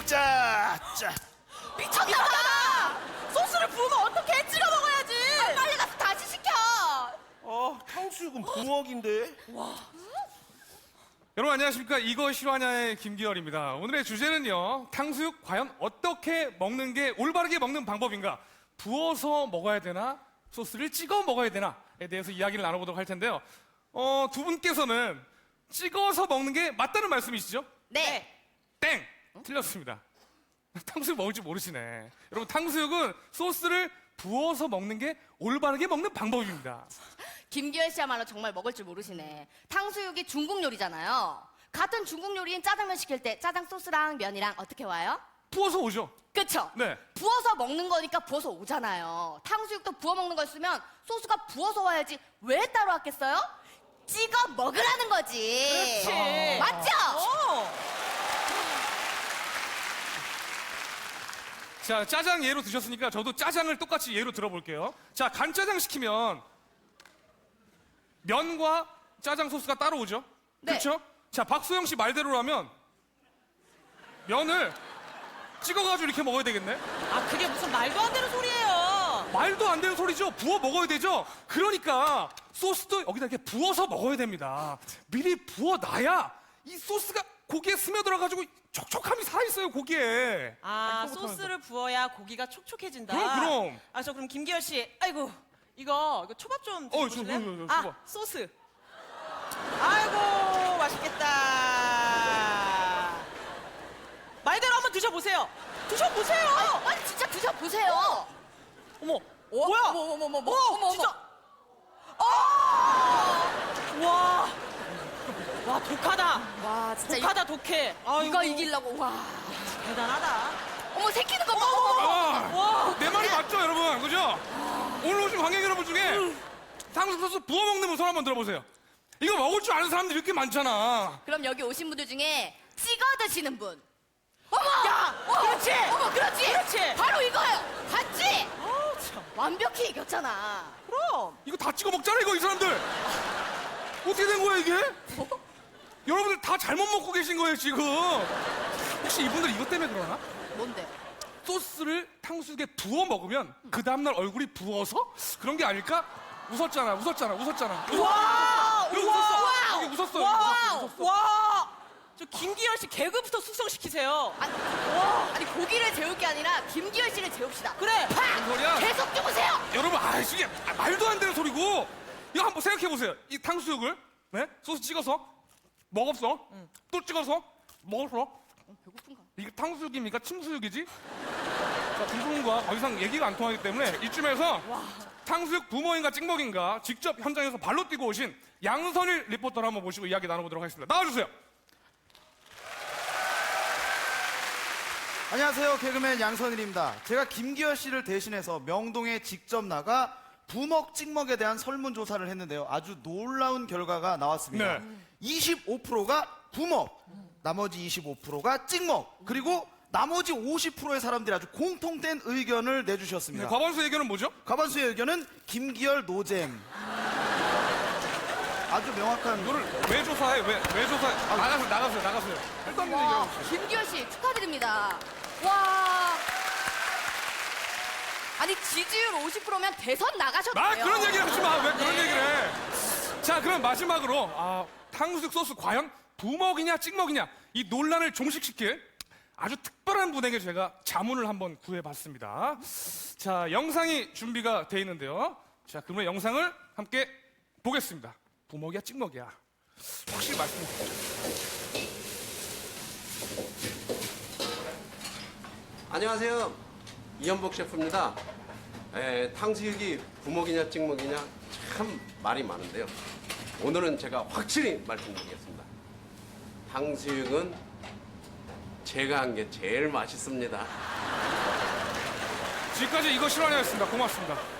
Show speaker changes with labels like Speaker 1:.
Speaker 1: 먹자. 자.
Speaker 2: 미쳤나봐! 소스를 부으면 어떡해? 찍어 먹어야지! 빨리 가서 다시 시켜!
Speaker 1: 탕수육은 부먹인데.
Speaker 3: 여러분 안녕하십니까? 이거 실화냐의 김기열입니다. 오늘의 주제는요. 탕수육 과연 어떻게 먹는 게 올바르게 먹는 방법인가? 부어서 먹어야 되나? 소스를 찍어 먹어야 되나?에 대해서 이야기를 나눠보도록 할 텐데요. 두 분께서는 찍어서 먹는 게 맞다는 말씀이시죠?
Speaker 2: 네.
Speaker 3: 땡! 틀렸습니다. 탕수육 먹을 줄 모르시네. 여러분 탕수육은 소스를 부어서 먹는 게 올바르게 먹는 방법입니다.
Speaker 2: 김기열 씨야말로 정말 먹을 줄 모르시네. 탕수육이 중국 요리잖아요. 같은 중국 요리인 짜장면 시킬 때 짜장 소스랑 면이랑 어떻게 와요?
Speaker 3: 부어서 오죠?
Speaker 2: 그쵸?
Speaker 3: 네.
Speaker 2: 부어서 먹는 거니까 부어서 오잖아요. 탕수육도 부어 먹는 거였으면 소스가 부어서 와야지 왜 따로 왔겠어요? 찍어 먹으라는 거지.
Speaker 4: 그렇지.
Speaker 2: 맞죠?
Speaker 3: 자, 짜장 예로 드셨으니까 저도 짜장을 똑같이 예로 들어볼게요. 자, 간짜장 시키면 면과 짜장 소스가 따로 오죠?
Speaker 2: 네.
Speaker 3: 그렇죠? 자, 박소영 씨 말대로라면 면을 찍어가지고 이렇게 먹어야 되겠네?
Speaker 4: 아, 그게 무슨 말도 안 되는 소리예요.
Speaker 3: 말도 안 되는 소리죠? 부어 먹어야 되죠? 그러니까 소스도 여기다 이렇게 부어서 먹어야 됩니다. 미리 부어놔야 이 소스가 고기에 스며들어가지고 촉촉함이 살아있어요, 고기에.
Speaker 4: 아, 소스를 부어야 고기가 촉촉해진다.
Speaker 3: 그럼.
Speaker 4: 아, 저 그럼 김기열 씨, 아이고, 이거 초밥 좀
Speaker 3: 저,
Speaker 4: 드셔보실래요?
Speaker 3: 초밥.
Speaker 4: 아, 소스. 아이고, 맛있겠다. 말대로 한번 드셔보세요. 드셔보세요.
Speaker 2: 아니 진짜 드셔보세요.
Speaker 4: 어머,
Speaker 2: 어?
Speaker 4: 뭐야?
Speaker 2: 어머,
Speaker 4: 진짜. 와, 독하다.
Speaker 2: 와 진짜
Speaker 4: 독하다, 독해. 아이고,
Speaker 2: 이거 이기려고 와.
Speaker 4: 대단하다.
Speaker 2: 어머 새끼는 거 봐.
Speaker 3: 아, 내 말이 맞죠, 여러분? 그죠? 오늘 오신 관객 여러분 중에 탕수육 소스 부어 먹는 분 손 한번 들어보세요. 이거 먹을 줄 아는 사람들이 이렇게 많잖아.
Speaker 2: 그럼 여기 오신 분들 중에 찍어 드시는 분. 어머!
Speaker 4: 야, 그렇지.
Speaker 2: 어머 그렇지.
Speaker 4: 그렇지.
Speaker 2: 바로 이거예요. 봤지?
Speaker 4: 아우, 참.
Speaker 2: 완벽히 이겼잖아.
Speaker 4: 그럼.
Speaker 3: 이거 다 찍어 먹잖아, 이거, 이 사람들. 어떻게 된 거야, 이게? 여러분들 다 잘못 먹고 계신 거예요, 지금. 혹시 이분들 이것 때문에 그러나?
Speaker 2: 뭔데?
Speaker 3: 소스를 탕수육에 부어 먹으면 그 다음날 얼굴이 부어서 그런 게 아닐까? 웃었잖아.
Speaker 4: 와,
Speaker 3: 여기
Speaker 4: 우와.
Speaker 3: 웃었어. 여기 웃었어.
Speaker 4: 와, 와. 저 김기열 씨 개그부터 숙성시키세요.
Speaker 2: 아니 고기를 재울 게 아니라 김기열 씨를 재웁시다.
Speaker 4: 그래.
Speaker 3: 무슨 소리야?
Speaker 2: 계속 죽으세요.
Speaker 3: 여러분, 이게 말도 안 되는 소리고. 이거 한번 생각해 보세요. 이 탕수육을 네? 소스 찍어서 먹었어. 또 찍어서 먹었어.
Speaker 2: 배고픈가?
Speaker 3: 이게 탕수육입니까? 침수육이지? 자, 두 분과 더 이상 얘기가 안 통하기 때문에 이쯤에서 탕수육 부모인가 찍먹인가 직접 현장에서 발로 뛰고 오신 양선일 리포터를 한번 모시고 이야기 나눠보도록 하겠습니다. 나와주세요.
Speaker 5: 안녕하세요. 개그맨 양선일입니다. 제가 김기열 씨를 대신해서 명동에 직접 나가 부먹 찍먹에 대한 설문조사를 했는데요. 아주 놀라운 결과가 나왔습니다.
Speaker 3: 네.
Speaker 5: 25%가 부먹, 나머지 25%가 찍먹, 그리고 나머지 50%의 사람들이 아주 공통된 의견을 내주셨습니다.
Speaker 3: 과반수 의견은 뭐죠?
Speaker 5: 과반수의 의견은 김기열 노잼. 아주 명확한.
Speaker 3: 이거를 왜 조사해? 왜 조사해? 나가세요. 일단
Speaker 2: 와
Speaker 3: 얘기해보세요.
Speaker 2: 김기열 씨 축하드립니다. 와. 아니 지지율 50%면 대선 나가셔도 돼요.
Speaker 3: 그런 얘기 하지 마. 왜 그런 얘기를 해? 자, 그럼 마지막으로 탕수육 소스 과연 부먹이냐 찍먹이냐 이 논란을 종식시킬 아주 특별한 분에게 제가 자문을 한번 구해봤습니다. 자, 영상이 준비가 돼 있는데요. 자, 그러면 영상을 함께 보겠습니다. 부먹이야 찍먹이야 확실히 말씀해 주세요.
Speaker 6: 안녕하세요. 이현복 셰프입니다. 탕수육이 부먹이냐 찍먹이냐 참 말이 많은데요. 오늘은 제가 확실히 말씀드리겠습니다. 탕수육은 제가 한 게 제일 맛있습니다.
Speaker 3: 지금까지 이거 실화냐였습니다. 고맙습니다.